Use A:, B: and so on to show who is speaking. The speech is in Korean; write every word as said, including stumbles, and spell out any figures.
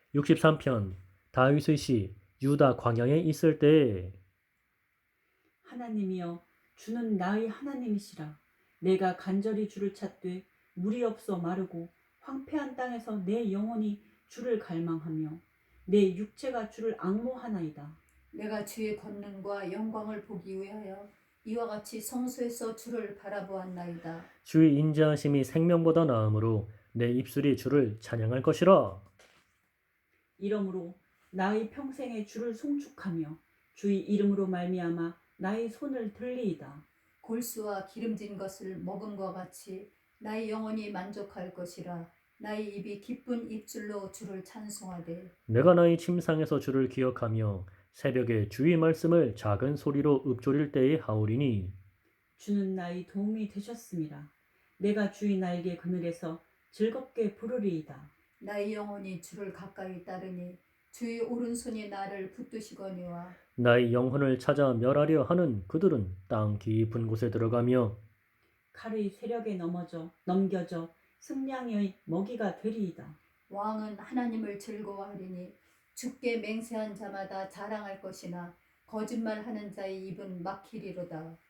A: 육십삼 편 다윗의 시 유다 광야에 있을 때에
B: 하나님이여 주는 나의 하나님이시라. 내가 간절히 주를 찾되 물이 없어 마르고 황폐한 땅에서 내 영혼이 주를 갈망하며 내 육체가 주를 앙모하나이다.
C: 내가 주의 권능과 영광을 보기 위하여 이와 같이 성소에서 주를 바라보았나이다.
A: 주의 인자하심이 생명보다 나으므로 내 입술이 주를 찬양할 것이라.
B: 이러므로 나의 평생에 주를 송축하며 주의 이름으로 말미암아 나의 손을 들리이다.
C: 골수와 기름진 것을 먹음과 같이 나의 영혼이 만족할 것이라. 나의 입이 기쁜 입술로 주를 찬송하되
A: 내가 나의 침상에서 주를 기억하며 새벽에 주의 말씀을 작은 소리로 읊조릴 때에 하오리니
B: 주는 나의 도움이 되셨습니다. 내가 주의 날개 그늘에서 즐겁게 부르리이다.
C: 나의 영혼이 주를 가까이 따르니 주의 오른손이 나를 붙드시거니와
A: 나의 영혼을 찾아 멸하려 하는 그들은 땅 깊은 곳에 들어가며
B: 칼의 세력에 넘어져 넘겨져 승량의 먹이가 되리이다.
C: 왕은 하나님을 즐거워하리니 주께 맹세한 자마다 자랑할 것이나 거짓말하는 자의 입은 막히리로다.